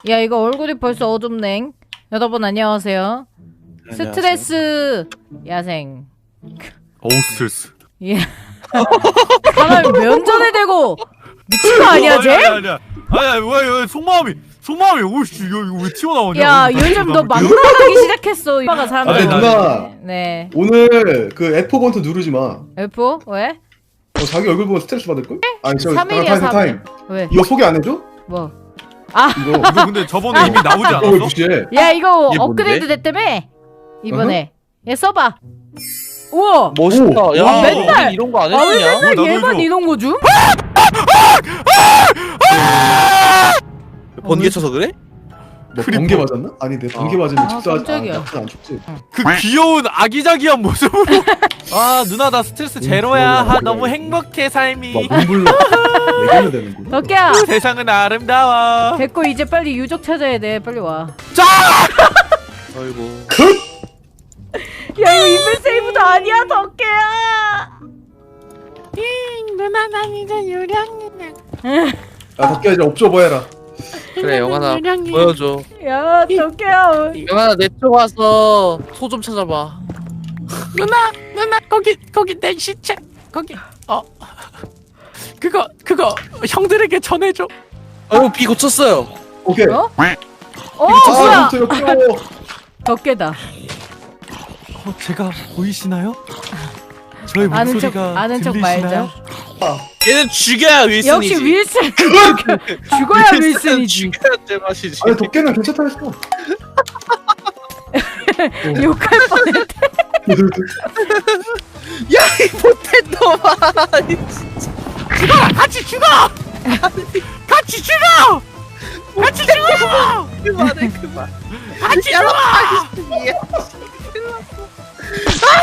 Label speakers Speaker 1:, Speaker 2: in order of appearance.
Speaker 1: 야 이거 얼굴이 벌써 어둡네. 여러분 안녕하세요. 스트레스 야생.
Speaker 2: 어우 스트레스.
Speaker 1: 예. 사람이 면전에 대고 미친 거 아니야 쟤?
Speaker 2: 아니야. 왜 속마음이 오씨 이거 왜 튀어나오냐?
Speaker 1: 야 요즘 너 막나가기 시작했어. 오빠가 사람들.
Speaker 3: 아니, 누나.
Speaker 1: 네.
Speaker 3: 오늘 그 F 번트 누르지 마.
Speaker 1: F? 왜?
Speaker 3: 자기 얼굴 보면 스트레스 받을 걸? 아니 저
Speaker 1: 3일이야
Speaker 3: 타임.
Speaker 1: 왜?
Speaker 3: 이거 소개 안 해줘?
Speaker 1: 뭐?
Speaker 3: 이거
Speaker 2: 이거 근데 저번에 이미 나오지
Speaker 3: 왜
Speaker 2: 않았어?
Speaker 3: 무시해?
Speaker 1: 야 이거
Speaker 4: 이게
Speaker 1: 업그레이드 됐다며? 이번에. 얘 써봐. 우와.
Speaker 4: 멋있다.
Speaker 3: 오.
Speaker 4: 야,
Speaker 2: 와,
Speaker 1: 맨날-
Speaker 4: 어디 이런 거 안
Speaker 1: 아 왜
Speaker 4: 했냐?
Speaker 1: 맨날
Speaker 2: 나도
Speaker 1: 얘만
Speaker 2: 해줘.
Speaker 1: 이런 거 줌?
Speaker 4: 번개 쳐서 그래?
Speaker 3: 뭐
Speaker 2: 크리퍼.
Speaker 3: 번개 맞았나? 아니 내 번개 맞으면 축소하지.
Speaker 1: 깜짝이야.
Speaker 3: 안 죽지.
Speaker 2: 그 귀여운 아기자기한 모습으로. 아 누나 나 스트레스 제로야.
Speaker 3: 좋아,
Speaker 2: 너무
Speaker 3: 좋아.
Speaker 2: 행복해 삶이.
Speaker 3: 막 눈불나. 내게는 되는구나.
Speaker 1: 덕기야.
Speaker 2: 세상은 아름다워.
Speaker 1: 됐고 이제 빨리 유적 찾아야 돼. 빨리 와.
Speaker 4: 아이고.
Speaker 1: 야 이거 인벤 세이브도 아니야 덕기야.
Speaker 5: 누나 난 이제 유령이네.
Speaker 3: 야 덕기야 이제 업줘봐 해라.
Speaker 4: 그래 영환아
Speaker 5: 유령이.
Speaker 4: 보여줘.
Speaker 1: 야 덕기야.
Speaker 4: 영환아 내 쪽 와서 소 좀 찾아봐.
Speaker 5: 누나 거기 내 시체 거기 그거 형들에게 전해줘.
Speaker 4: 아이고 비 고쳤어요.
Speaker 3: 오케이.
Speaker 1: 어? 어
Speaker 3: 아
Speaker 1: 뭐야?
Speaker 3: 컴퓨터 역겨워.
Speaker 1: 덕계다.
Speaker 2: 제가 보이시나요? 저의
Speaker 1: 아는 척
Speaker 2: 목소리가
Speaker 1: 아는 척
Speaker 2: 들리시나요?
Speaker 1: 말자.
Speaker 4: 얘는 죽여야 윌슨이지.
Speaker 1: 역시 윌슨. 죽어야 윌슨이지.
Speaker 4: 죽여야 제맛이지.
Speaker 3: 아니 덕기는 괜찮다 했어.
Speaker 1: 욕할 뻔했대.
Speaker 4: 야이 못된 놈아.
Speaker 5: 같이 죽어. 같이 죽어. 같이 죽어.
Speaker 4: 그만해 그만.
Speaker 5: 같이 죽어.